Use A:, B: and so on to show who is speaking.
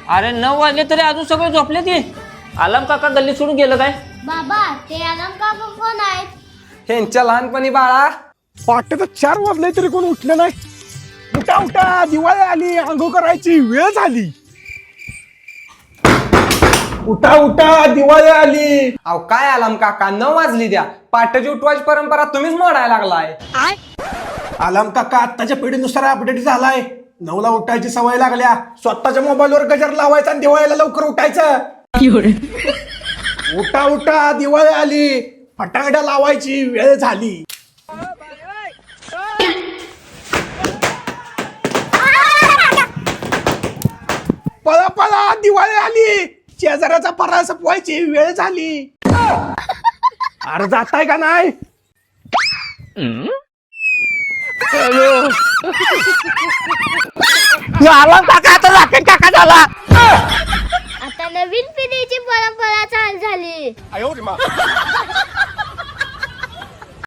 A: अरे 9 वाजले तरी अजून सगळे झोपले ते. आलम काका गल्ली सोडून गेलं काय?
B: बाबा ते आलम काका कोण आहेत?
C: ह्यांच्या लहानपणी बाळा
D: पहाटे तर 4 वाजले तरी कोण उठलं नाही. उठा उठा, दिवाळी आली, आंघोळ करायची वेळ झाली. उठा उठा, दिवाळी आली.
C: अहो काय आलम काका 9 वाजली द्या. पाट्याची उठवायची परंपरा तुम्हीच मोडायला लागलाय.
D: आलम काका आत्ताच्या पिढीनुसार अपडेट झालाय. 9ला उठायची सवय लागल्या. स्वतःच्या मोबाईलवर गजर लावायचा आणि दिवाळीला लवकर उठायचं. उठा उठा, दिवाळी आली, फटाकड्या लावायची वेळ झाली. पळा पळा, दिवाळी आली, शेजाऱ्याचा फराळ संपवायची वेळ झाली. अरे जाताय का नाही?
B: आता नवीन पिढीची परंपरा चालू झाली.